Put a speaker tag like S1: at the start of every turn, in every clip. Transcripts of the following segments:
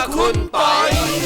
S1: คุณปอย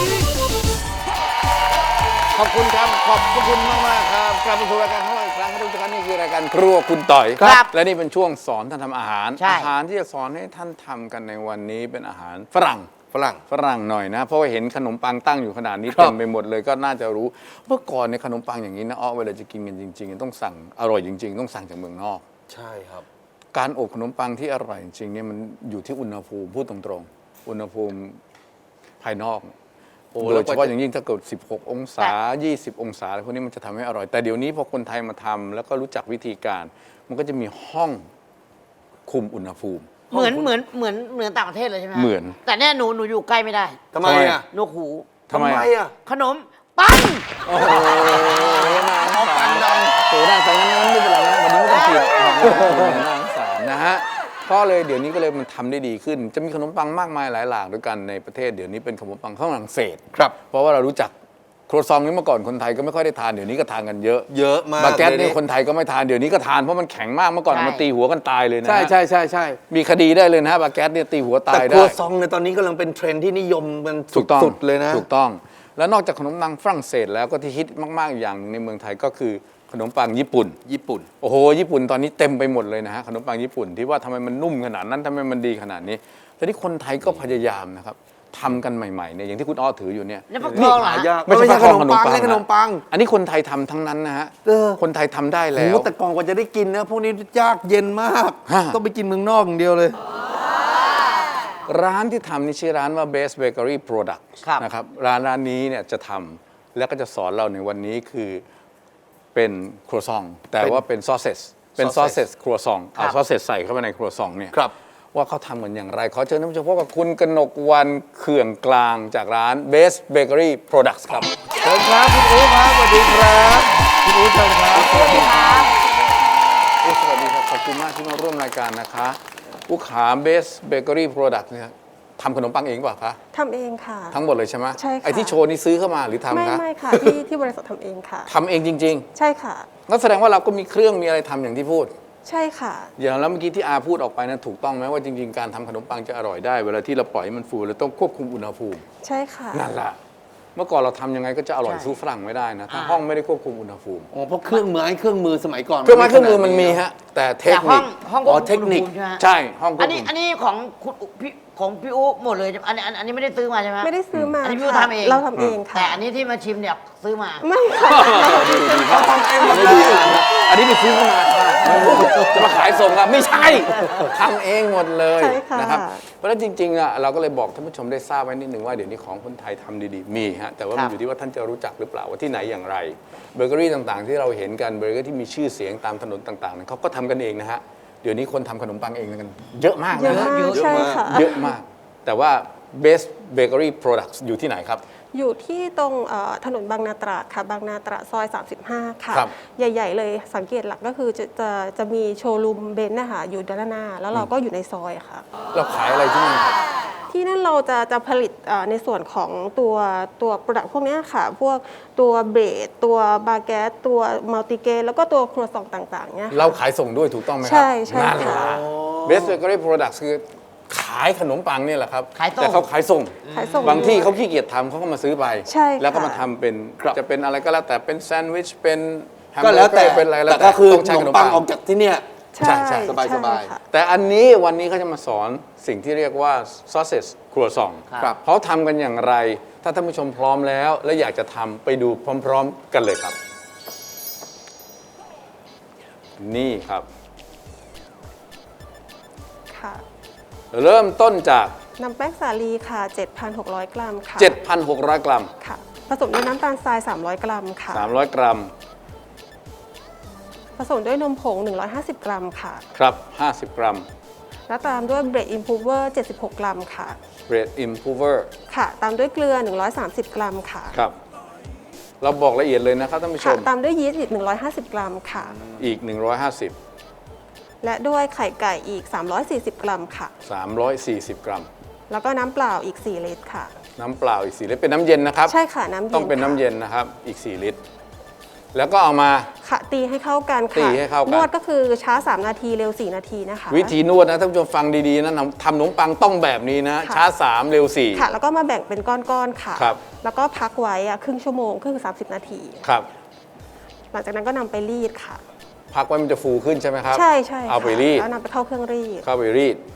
S2: ขอบคุณครับขอบคุณมากๆครับกลับมาสู่รายการของเราอีกครั้งครับทุกท่านนี่คือรายการครัวคุณต่อย
S1: ครับ
S2: และนี่เป็นช่วงสอนท่านทำอาหาร
S1: ใช่
S2: อาหารที่จะสอนให้ท่านทำกันในวันนี้เป็นอาหารฝรั่ง
S3: ฝรั่ง
S2: หน่อยนะเพราะว่าเห็นขนมปังตั้งอยู่ขนาดนี้
S3: ครับ
S2: เต็มไปหมดเลยก็น่าจะรู้เมื่อก่อนในยขนมปังอย่างนี้นะเวลาจะกินกันจริงๆต้องสั่งอร่อยจริงๆต้องสั่งจากเมืองนอก
S3: ใช่ครับ
S2: การอบขนมปังที่อร่อยจริงๆเนี่ยมันอยู่ที่อุณหภูมิพูดตรงๆอุณหภูมิภายนอก
S3: โอ้
S2: โด
S3: แล้
S2: ยว
S3: ก
S2: เฉ
S3: ว่า
S2: พาะ
S3: จะ
S2: อย่างยิ่งถ้าเกิด 16 องศา 20 องศาอะไรพวกนี้มันจะทำให้อร่อย แต่เดี๋ยวนี้พอคนไทยมาทำแล้วก็รู้จักวิธีการ มันก็จะมีห้องคุมอุณหภูมิ
S1: เหมือนต่างประเทศเลยใช่ไหมฮะ
S2: เหมือน
S1: แต่เนี่ยหนูอยู่ใกล้ไม่ได้
S3: ทำไมอ่ะ
S1: นกหู
S2: ทำไมอ่ะ
S1: ขนมปัง
S2: โอ้โหน่าสงสารโอ้น่าสงสารงั้นไม่เป็นไรนะวันนี้ไม่ต้องกินน่าสงสารนะฮะก็เลยเดี๋ยวนี้ก็เลยมันทำได้ดีขึ้น จะมีขนมปังมากมายหลายหลากด้วยกันในประเทศเดี๋ยวนี้เป็นขนมปังฝรั่งเศส
S3: ครับ
S2: เพราะว่าเรารู้จักครัวซองนี้เมื่อก่อนคนไทยก็ไม่ค่อยได้ทานเดี๋ยวนี้ก็ทานกันเยอะ
S3: เยอะมาก
S2: บาเกต
S3: เลย
S2: นี่คนไทยก็ไม่ทานเดี๋ยวนี้ก็ทานเพราะมันแข็งมากเมื่อก่อนเอามาตีหัวกันตายเลยนะ
S3: ใช่ใช่ใช่ใช่
S2: มีคดีได้เลยนะฮะบาเกตเนี่ยตีหัวตา
S3: แต่
S2: ย
S3: ค
S2: ได้
S3: รัวซองในตอนนี้กำลังเป็นเทรนด์ที่นิยมมัน
S2: ถูกต้อง
S3: สุดๆเลยนะ
S2: ถูกต้อง แล้วนอกจากขนมปังฝรั่งเศสแล้วก็ที่ฮิตมากๆอย่างหนึ่งในเมืองไทยก็คือขนมปังญี่ปุ่น
S3: ญี่ปุ่น
S2: โอ้โหญี่ปุ่นตอนนี้เต็มไปหมดเลยนะฮะขนมปังญี่ปุ่นที่ว่าทำไมมันนุ่มขนาดนั้นทำไมมันดีขนาดนี้แต่ที่คนไทยก็พยายามนะครับทำกันใหม่ๆเนี่ยอย่างที่คุณอ้อถืออยู่เนี่ย
S1: แล้วฟักทองเหรอฮะ
S3: ยาก
S2: ไม่ใช่
S3: ไม่ใช่
S2: ฟักทอง
S3: ขนมปัง
S2: ขนมปัง
S3: ไม่ใช่ขนมปัง
S2: อันนี้คนไทยทำทั้งนั้นนะฮะ
S3: เออ
S2: คนไทยทำได้
S3: โอ้
S2: แล้
S3: โห
S2: ว
S3: แต่กล่องกว่าจะได้กินนะพวกนี้ยากเย็นมาก
S2: ฮะ
S3: ต้องไปกินเมืองนอกอย่างเดียวเลย
S2: ร้านที่ทำนี่ชื่อร้านว่า Best Bakery Product
S1: ครับ
S2: นะครับร้านนี้เนี่ยจะทำแล้วก็จะสอนเราในวันนี้คือเป็นครัวซองแต่ว่าเป็นซอสเซสเป็นซอสเซสครัวซองเอาซอสเซสใส่เข้าไปในครัวซองเนี่ย
S3: ครับ
S2: ว่าเขาทำกันอย่างไร ขอเชิญท่านผู้ชมพบกับคุณกนกวรรณเขื่องกลางจากร้าน Best Bakery Products ครับ
S3: เชิญครับคุณอู๋ครับสวัสดีครับคุณอู๋เชิญครับ
S1: สวัสดีครับ
S2: สวัสดีครับขอบคุณมากที่มาร่วมรายการนะคะผู้ขา Best Bakery Products เนี่ยทำขนมปังเองเปล่าคะ
S4: ทำเองค่ะ
S2: ทั้งหมดเลยใช่ไหม
S4: ใช่ค่ะ
S2: ไอ้ที่โชว์นี่ซื้อเข้ามาหรือทำ
S4: ไม่
S2: คะ
S4: ไม่ค่ะ ที่บริษัททำเองค่ะ
S2: ทำเองจริง
S4: ใช่ค่ะ
S2: ๆงั้นแสดงว่าเราก็มีเครื่องมีอะไรทำอย่างที่พูด
S4: ใช่ค่ะ
S2: อย่างแล้วเมื่อกี้ที่อาพูดออกไปนะถูกต้องไหมว่าจริงๆการทำขนมปังจะอร่อยได้ เวลาที่เราปล่อยให้มันฟูเราต้องควบคุมอุณหภูมิ
S4: ใช่ค่ะ
S2: นั่นแหละเมื่อก่อนเราทำยังไงก็จะอร่อย
S1: ใช่
S2: สู้ฝรั่งไม่ได้นะถ้าห้องไม่ได้ควบคุมอุณหพูมิ
S3: อ๋อเพราะเครื่องมือสมัยก่อน
S2: เครื่องไม้เครื่องมือมันมีฮะแต่เทค
S1: แต่ห้
S2: นิ
S1: อ
S2: ค
S1: งห้อง
S3: อ๋อ
S1: ควบคุม
S3: เทคนิค
S1: อุณหภูมิใช่ไหมฮะ
S2: ใช่ห้องคว
S1: อั
S2: บ
S1: นนี้
S2: คุม
S1: อันนี้ของพี่อุ๊หมดเลยใช่ไหมอันนี้ไม่ได้ซื้อมาใช่ไหมฮะ
S4: ไม่ได้ซื้อมา
S1: อันนี้พี่อุ๊
S4: ค่ะ
S1: ทำเอง
S4: เราทำเองค่ะ
S1: แต่อันนี้ที่มาชิมเนี่ยซื้อมา
S4: ไม่ค่ะ
S2: ดีครับทำเองหมดเลยอันนี้ไปซื้อเข้ามาค่ะจะมาขายส่งอะไม่ใช่ทำเองหมดเลย
S4: ใช่ค่ะ
S2: นะครับเพราะฉะนั้นจริงๆอะเราก็เลยบอกท่านผู้ชมได้ทราบไว้นิดหนึ่งว่าเดี๋ยวนี้ของคนไทยทำดีๆมีฮะแต่ว่ามันอยู่ที่ว่าท่านจะรู้จักหรือเปล่าว่าที่ไหนอย่างไรเบเกอรี่ต่างๆ ที่เราเห็นกันเบเกอรี่ที่มีชื่อเสียงตามถนนต่างๆเนี่ยเขาก็ทำกันเองนะฮะเดี๋ยวนี้คนทำขนมปังเองกันเยอะมาก
S4: เยอะ
S2: นะ
S4: มาก
S2: ฮะ
S4: ใช่ค่ะ
S2: เยอะมาก แต่ว่า Best Bakery Products อยู่ที่ไหนครับ
S4: อยู่ที่ตรงถนนบางนาตราดค่ะ บางนาตราดซอย 35 ค่ะ
S2: ครับ
S4: ใหญ่ ๆ เลยสังเกตหลักก็คือจะมีโชว์รูมเบนซ์นะคะอยู่ด้านหน้า แล้วเราก็อยู่ในซอยค่ะ
S2: เราขายอะไรที่นั่นครับ
S4: ที่นั่นเราจะผลิตในส่วนของตัวโปรดักต์พวกเนี้ยค่ะ พวกตัวเบรดตัวบาเกตตัวมัลติเกรแล้วก็ตัวครัวซองต่างๆเนี่ยค่ะ
S2: เราขายส่งด้วยถูกต้องไหมครั
S4: ใช่ใช่
S2: นั่นแหละ
S4: ค่ะ
S2: Best Bakery Products คือขายขนมปังเนี่ยแหละครับ
S1: ขายส่ง
S2: แต่เขาขายส่ง
S4: ขายส่ง
S2: บางที่
S4: ด้วย
S2: เขาขี้เกียจทำเขาก็มาซื้อไป
S4: ใช่ค่ะ
S2: แล้วก็มาทำเป็นจะเป็นอะไรก็แล้วแต่เป็นแซนด์วิชเป็นแฮม
S3: ก็
S2: เบอ
S3: แล้ว
S2: ร์เก
S3: แต่
S2: อร์เป็นอะไรแล้ว
S3: แต่ก็คือ
S2: ต้อง
S3: ข
S2: ใช้
S3: น
S2: ข
S3: ม
S2: นม
S3: ปั
S2: ปั
S3: ง
S2: ง
S3: ออกจากที่เนี่ย
S4: ใช่
S2: ใช่
S3: สบายๆ
S4: ใช่ค่ะ
S2: แต่อันนี้วันนี้เขาจะมาสอนสิ่งที่เรียกว่า sausage ครัวซอง
S3: ครับ
S2: เขาทำกันอย่างไร ถ้าท่านผู้ชมพร้อมแล้ว และอยากจะทำไปดูพร้อมๆ กันเลยครับ นี่ครับ
S4: ค่ะ
S2: เริ่มต้นจาก
S4: น้ำแป้งสาลีค่ะ 7,600 กรัมค่ะ
S2: 7,600 กรัม
S4: ค่ะ ผสมด้วยน้ำตาลทราย 300 กรัมค่ะ
S2: 300 กรัม
S4: ผสมด้วยนมผง 150 กรัมค่ะ
S2: ครับ 50 กรัม
S4: แล้วตามด้วยเบรดอินพูเวอร์ 76 กรัมค่ะ
S2: bread improver
S4: ค่ะ ตามด้วยเกลือ 130 กรัมค่ะ
S2: ครับ เราบอกละเอียดเลยนะครับท่านผู้ช
S4: ค่ะ
S2: ม
S4: ตามด้วยยีสต์อีก 150 กรัมค่ะ
S2: อีก 150
S4: และด้วยไข่ไก่อีก 340 กรัมค่ะ
S2: 340 กรัม
S4: แล้วก็น้ำเปล่าอีก 4 ลิตรค่ะ
S2: น้ำเปล่าอีก4ลิตรเป็นน้ำเย็นนะครับ
S4: ใช่ค่ะ น้ำเย็น
S2: ต้องเป็นน้ำ
S4: ค่ะ
S2: เย็นนะครับ อีก 4 ลิตรแล้วก็เอามา
S4: ค่ะตีให้เข้ากันค่ะ
S2: ตีให้เข้ากัน
S4: นวดก็คือช้า 3 นาทีเร็ว 4 นาทีนะคะ
S2: วิธีนวดนะท่านผู้ชมฟังดีๆนะทำขนมปังต้องแบบนี้นะ
S4: ค่ะ
S2: ช้า 3 เร็ว
S4: ค่ะ แล้วก็มาแบ่งเป็นก้อนๆค่ะ
S2: ครับ
S4: แล้วก็พักไว้ครึ่งชั่วโมงคือ30 นาที
S2: 4 ครับ
S4: หลังจากนั้นก็นำไปรีดค่ะ
S2: พักไว้มันจะฟูขึ้นใช่ไหมครับ
S4: ใช่ใช่ค่ะ
S2: เอาไปรีด
S4: แล้วนำไปเข้าเครื่องรีด
S2: เข้าไปรีด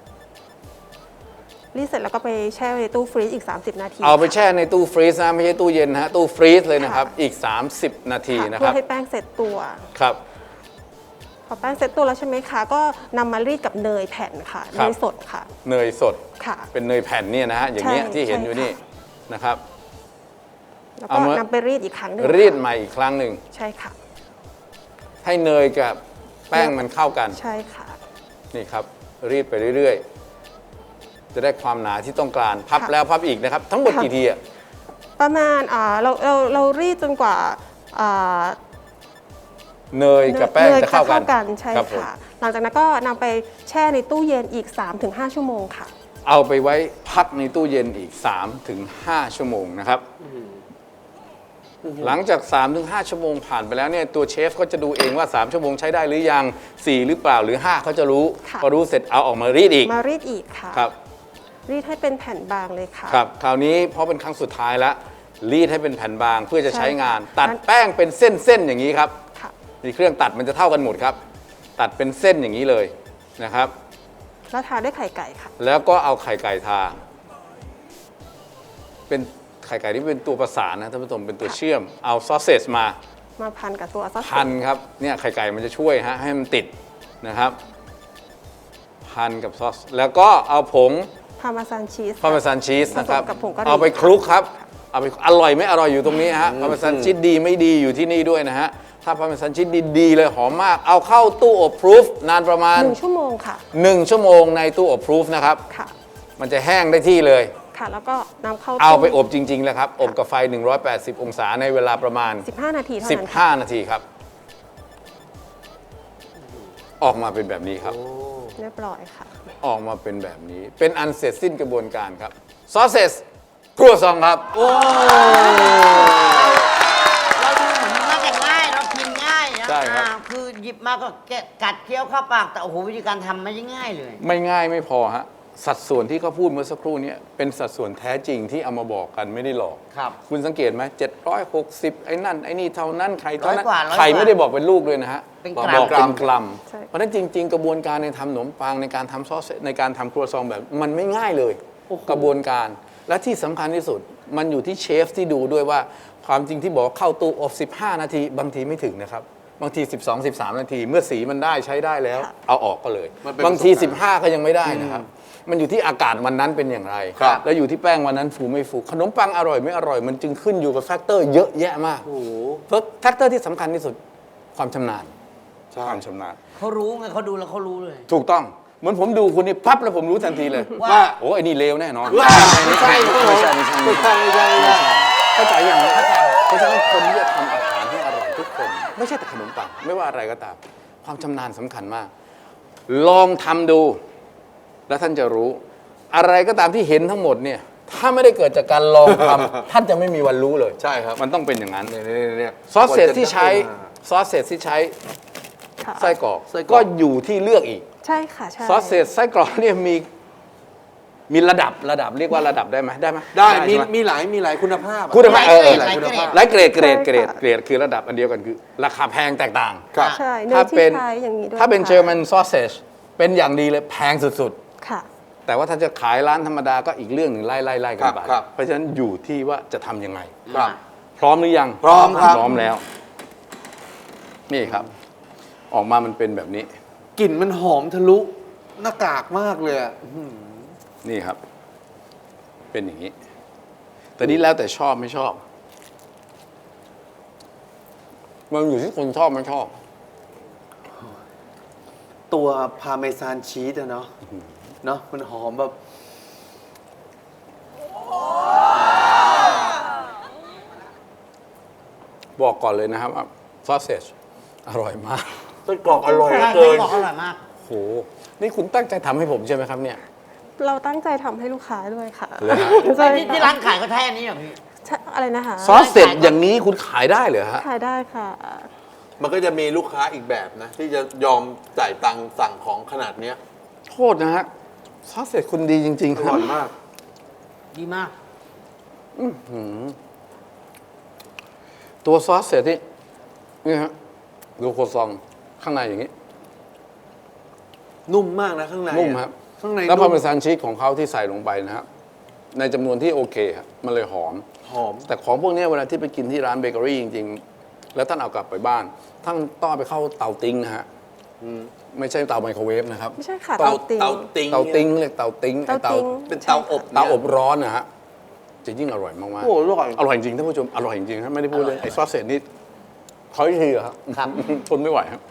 S4: รีดเสร็จแล้วก็ไปแช่ไว้ในตู้ฟรีซอีก 30 นาที
S2: เอาไป
S4: ค่ะ
S2: แช่ในตู้ฟรีซนะไม่ใช่ตู้เย็นนะฮะตู้ฟรีซเลยนะครับ
S4: ค่ะ
S2: อีก 30 นาที
S4: ค่ะ
S2: นะค
S4: เพื่
S2: รั
S4: อบ ให้แป้งเสร็จตัว
S2: ครับ
S4: พอแป้งเสร็จตัวแล้วใช่ไหมคะ ก็นำมารีดกับเนยแผ่นค่ะ
S2: ครั
S4: เน
S2: บ
S4: ยสดค่ะ
S2: เนยสด
S4: ค่ะ
S2: เป็นเนยแผ่นเนี่ยนะฮะอย่างเงี้ย
S4: ใช่
S2: ที่เห็นอยู่
S4: ใช่
S2: นี่
S4: ค่ะ
S2: นะครับ
S4: แล้ว
S2: เอา
S4: ก็
S2: มา
S4: นำไปรีดอีกครั้งหนึ่ง
S2: รีด
S4: ค่ะ
S2: ใหม่อีกครั้งหนึ่ง
S4: ใช่ค่ะ
S2: ให้เนยกับแป้งมันเข้ากัน
S4: ใช่ค่ะ
S2: นี่ครับ รีดไปเรื่อยๆ จะได้ความหนาที่ต้องการพับ
S4: ค่ะ
S2: แล้วพับอีกนะครับ ทั้งหมด
S4: ค่ะ
S2: กี่ทีอะ
S4: ประมาณเรารีดจนกว่าอ่า
S2: เนยกับแป้ง
S4: นย
S2: จะเข้ากัน
S4: ใช่
S2: ครับผม
S4: ค่ะ หลังจากนั้นก็นำไปแช่ในตู้เย็นอีก 3-5 ชั่วโมงค่ะ
S2: เอาไปไว้พักในตู้เย็นอีก 3-5 ชั่วโมงนะครับ หลังจาก 3-5 ชั่วโมงผ่านไปแล้วเนี่ยตัวเชฟก็จะดูเองว่า 3 ชั่วโมงใช้ได้หรือยัง 4 หรือเปล่าหรือ 5เขาจะรู้
S4: ค่ะ
S2: พอรู้เสร็จเอาออกมารีดอีก
S4: มารีดอีกค่ะ
S2: ครับ
S4: รีดให้เป็นแผ่นบางเลยค่ะ
S2: ครับคราวนี้เพราะเป็นครั้งสุดท้ายแล้วรีดให้เป็นแผ่นบางเพื่อจะใช้งาน
S4: ใช่ค่ะ
S2: ตัดแป้งเป็นเส้นๆอย่างนี้ครับ
S4: ค่ะ
S2: นี่เครื่องตัดมันจะเท่ากันหมดครับ ตัดเป็นเส้นอย่างนี้เลยนะครับ
S4: แล้วทาด้วยไข่ไก่ค่ะ
S2: แล้วก็เอาไข่ไก่ทา เป็นไข่ไก่ที่เป็นตัวประสานนะท่านผู้ชมเป็นตัวเชื่อม เอาซอสเซจมา
S4: มาพันกับตัวซอส
S2: พันครับเนี่ยไข่ไก่มันจะช่วยฮะให้มันติดนะครับ พันกับซอส แล้วก็เอาผง
S4: พาร์เมซานชีส
S2: พาร์เมซานชีสนะครับ
S4: ผสมกับผงกะหรี่
S2: เอาไปคลุกครับ เอาไปอร่อยไม่อร่อยอยู่ตรงนี้ฮะพาร์เมซานชีสดีไม่ดีอยู่ที่นี่ด้วยนะฮะ ถ้าพาร์เมซานชีสดีๆเลยหอมมาก เอาเข้าตู้อบพรูฟนานประมาณ
S4: 1 ชั่วโมงค่ะ
S2: 1 ชั่วโมงในตู้อบพรูฟนะครับ
S4: ค่ะ
S2: มันจะแห้งได้ที่เลย
S4: ค่ะ แล้วก็นำเข้า
S2: เอาไป
S4: ตู้
S2: อบจริงๆแล้วครับ อบกับไฟ 180 องศาในเวลาประมาณ
S4: 15 นาทีเท่านั้นค่ะ
S2: 15 นาทีครับ ออกมาเป็นแบบนี้ครับ
S4: เรียบร้อยค่ะ
S2: ออกมาเป็นแบบนี้ เป็นอันเสร็จสิ้นกระบวนการครับ ซอสเซสครัวซองครับ
S1: เราดูเหมือนมันน่าจะง่ายเรากินง่ายนะ
S2: ใช่ครับ
S1: คือหยิบมาก็แกะกัดเคี้ยวเข้าปากแต่โอ้โหวิธีการทำไม่ได้ง่ายเลย
S2: ไม่ง่ายไม่พอฮะ สัดส่วนที่เขาพูดเมื่อสักครู่นี้เป็นสัดส่วนแท้จริงที่เอามาบอกกันไม่ได้หลอก
S1: ครับ
S2: คุณสังเกตไหม760ไอ้นั่นไอ้นี่เท่านั้นไข่เท่านั้น
S1: 100 กว่า
S2: ไข่ไม่ได้บอกเป็นลูกเลยนะฮะ
S1: เป็น
S2: บอก
S1: กรัม
S2: เป็นกรัม
S4: ใช่
S2: เพราะฉะนั้นจริง ๆ กระบวนการในทำขนมปังในการทำซอสในการทำครัวซองแบบมันไม่ง่ายเลย กระบวนการและที่สำคัญที่สุดมันอยู่ที่เชฟที่ดูด้วยว่าความจริงที่บอกว่าเข้าตู้อบ15 นาทีบางทีไม่ถึงนะครับ บางที 12-13 นาที เมื่อสีมันได้ใช้ได้แล้ว เอาออกก็เลย
S3: มันเป็น
S2: บางที
S3: ประสบการณ์
S2: 15 ก็ยังไม่ได้นะครับ มันอยู่ที่อากาศวันนั้นเป็นอย่างไร
S3: ครับ
S2: แล้วอยู่ที่แป้งวันนั้นฟูไม่ฟูขนมปังอร่อยไม่อร่อยมันจึงขึ้นอยู่กับแฟกเตอร์เยอะแยะมาก
S3: โอ้โห
S2: เพราะแฟกเตอร์ที่สำคัญที่สุดความชำนาญ
S3: ใช่
S2: ความชำนาญ
S1: เขารู้ไงเขาดูแล้วเขารู้เลย
S2: ถูกต้องเหมือนผมดูคุณนี่ปั๊บแล้วผมรู้ทันทีเลย
S1: ว่า
S2: โอ้ไอ้นี่เลวแน่นอน
S3: ไม่ใช่ไม่ใช่ไม่ใช่ไม่ใช่ไม่ใช่ไม่ใช่
S2: เข้าใจยังเข้าใจเพราะฉะนั้นคนที่จะทำอาหารให้อร่อยทุกคน ไม่ใช่แต่ขนมปังไม่ว่าอะไรก็ตาม ความชำนาญสำคัญมาก ลองทำดู แล้วท่านจะรู้ อะไรก็ตามที่เห็นทั้งหมดเนี่ยถ้าไม่ได้เกิดจากการลองทำ ท่านจะไม่มีวันรู้เลย
S3: ใช่ครับ
S2: มันต้องเป็นอย่างนั้น
S3: เนี่ย
S2: ซอสเศษที่ใช้ซอสเศษที่ใช้
S4: ค่ะ
S2: ไส้กรอก
S3: ไส้กรอก
S2: ก็อยู่ที่เลือกอีก
S4: ใช่ค่ะ ใช่
S2: ซอสเศษไส้กรอกเนี่ยมีระดับเรียกว่าระดับได้ไหมได้ไหม
S3: ได้มี
S2: ใช่ไหม
S3: มีหลายคุณภาพอะ
S2: คุณภาพ
S1: หลายเกรด
S3: หลายคุณภาพ
S2: หลายเกรดคือระดับอันเดียวกันคือ ราคาแพงแตกต่าง
S3: ครับ
S4: ใช่เน
S2: ถ้าย
S4: ที่
S2: เป็น
S4: ใช้อย่างนี้ด้วย
S2: ถ้าเป็น
S4: ค่ะ
S2: เจอร์มันซอสเซจเป็นอย่างดีเลยแพงสุด
S4: ค่ะ
S2: ๆ แต่ว่าถ้าจะขายร้านธรรมดาก็อีกเรื่องหนึ่งไล่กันไป
S3: ครับ
S2: เพราะฉะนั้นอยู่ที่ว่าจะทำยังไง
S3: ครับ
S2: พร้อมหรือยัง
S3: พร้อมครับ
S2: พร้อมแล้ว นี่ครับ ออกมามันเป็นแบบนี้
S3: กลิ่นมันหอมทะลุหน้ากากมากเลยอะ
S2: นี่ครับ เป็นอย่างนี้ แต่นี่แล้วแต่ชอบไม่ชอบ มันอยู่ที่คนชอบไม่ชอบ
S3: ตัวพาเมซานชีสอะเนาะเนาะมันหอมแบบ
S2: บอกก่อนเลยนะครับว่าซอสเซจอร่อยมาก
S3: ไส้กรอกอร่อยเหลือ
S1: ไส้
S3: เกิน
S1: กรอกอร่อยมาก
S2: โห นี่คุณตั้งใจทำให้ผมใช่ไหมครับเนี่ย
S4: เราตั้งใจทำให้ลูกค้าด้วยค่ะ
S2: เหรอฮะ
S4: ใช่
S1: ที่ร้านขายก็แท้อันนี้เหรอพี่
S4: อะไรนะคะ
S2: ซอสเสร็จอย่างนี้คุณขายได้เหรอฮะ
S4: ขายได้ค่ะ
S3: มันก็จะมีลูกค้าอีกแบบนะ ที่จะยอมจ่ายตังค์สั่งของขนาดเนี้ย
S2: โทษนะฮะซอสเสร็จคุณดีจริง ๆ
S3: อ
S2: ครั
S3: ร่
S2: บ
S3: อยมาก
S1: ดีมาก
S2: ตัวซอสเสร็จนี่ฮะดูโครซองข้างในอย่างนี้
S3: นุ่มมากนะข้างใน
S2: นุ่มครับ
S3: ข้างใน
S2: แล้วพอ
S3: นุ่ม
S2: เป็นซานชีสของเขาที่ใส่ลงไปนะครับในจำนวนที่โอเคครับมันเลยหอม
S3: หอม
S2: แต่ของพวกนี้เวลาที่ไปกินที่ร้านเบเกอรี่จริงๆ แล้วท่านเอากลับไปบ้านท่านต้องเอาไปเข้าเตาติ้งนะฮะไม่ใช่เตาไมโครเวฟนะครับ
S4: ไม่ใช่ค่ะ
S3: เตา
S4: ติ้ง
S3: เตาติ้ง
S2: เตาติ้งเรียกเตาติ้งไอ้
S4: เตาติ้ง
S3: เป็นเตาอบ
S2: เตาอบร้อนนะฮะจะยิ่งอร่อยมาก
S3: โอ้โหอร่อย
S2: ๆอร่อยจริงท่านผู้ชมอร่อยจริงๆครับไม่ได้พูดเลยไอ้ซอสเสร็จนี่ขออีกทีเหรอครับ
S1: ครับ
S2: ทนไม่ไหวครับ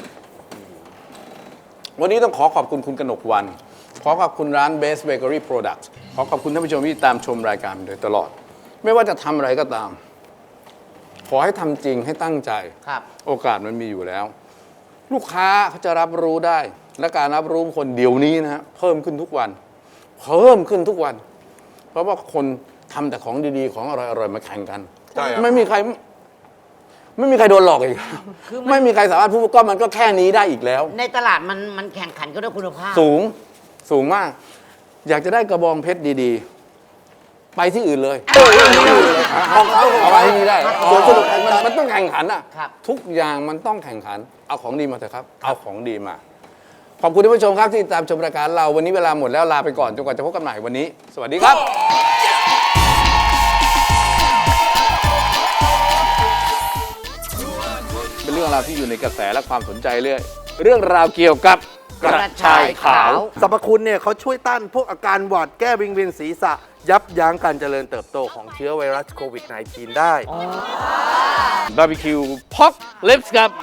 S2: วันนี้ต้องขอขอบคุณคุณกนกวรรณขอขอบคุณร้าน Best Bakery Products ขอขอบคุณท่านผู้ชมที่ตามชมรายการมาโดยตลอด ไม่ว่าจะทำอะไรก็ตาม ขอให้ทำจริงให้ตั้งใจ
S1: ครับ
S2: โอกาสมันมีอยู่แล้ว ลูกค้าเขาจะรับรู้ได้ และการรับรู้คนเดี๋ยวนี้นะฮะเพิ่มขึ้นทุกวัน เพิ่มขึ้นทุกวัน เพราะว่าคนทำแต่ของดีๆ ของอร่อยๆมาแข่งกัน
S3: ใช่ครับ
S2: ไม่มีใครโดนหลอกอีก
S1: คือมัน
S2: ไม่มีใครสามารถพูดว่าก็มันก็แค่นี้ได้อีกแล้ว
S1: ในตลาดมันแข่งขันก็ด้วยคุณภาพ
S2: สูงมาก อยากจะได้กระบองเพชรดีๆ ไปที่อื่นเลยของเขาเอาไปที่นี่ได้
S1: ครับ
S2: สวนสนุกมันต้องแข่งขันอ่ะ
S1: ครับ
S2: ทุกอย่างมันต้องแข่งขัน เอาของดีมาเถอะครับ เอาของดีมา ขอบคุณท่านผู้ชมครับที่ติดตามชมรายการเราวันนี้เวลาหมดแล้วลาไปก่อนจนกว่าจะพบกันใหม่วันนี้ สวัสดีครับ เป็นเรื่องราวที่อยู่ในกระแสและความสนใจเรื่องราวเกี่ยวกับกระชายขาว
S3: สรรพคุณเนี่ยเขาช่วยต้านพวกอาการหวัดแก้วิงเวียนศีรษะ ยับยั้งการเจริญเติบโตของเชื้อไวรัสโควิด -19 ได้
S2: บาร์บีคิวพอกลิปส์ครับ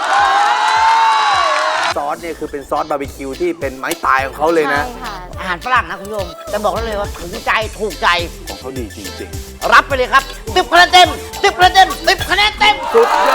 S3: ซอสเนี่ยคือเป็นซอสบาร์บีคิวที่เป็นไม้ตายของเขาเลยนะ
S4: ใช่ค่ะ
S1: อาหารฝรั่งนะคุณผู้ชมแต่บอกได้เลยว่าถึงใจถูกใจ
S2: ของเขาดีจริง
S1: รับไปเลยครับ10 คะแนนเต็ม10 คะแนนเต็ม10 คะแนนเต็ม
S3: สุดย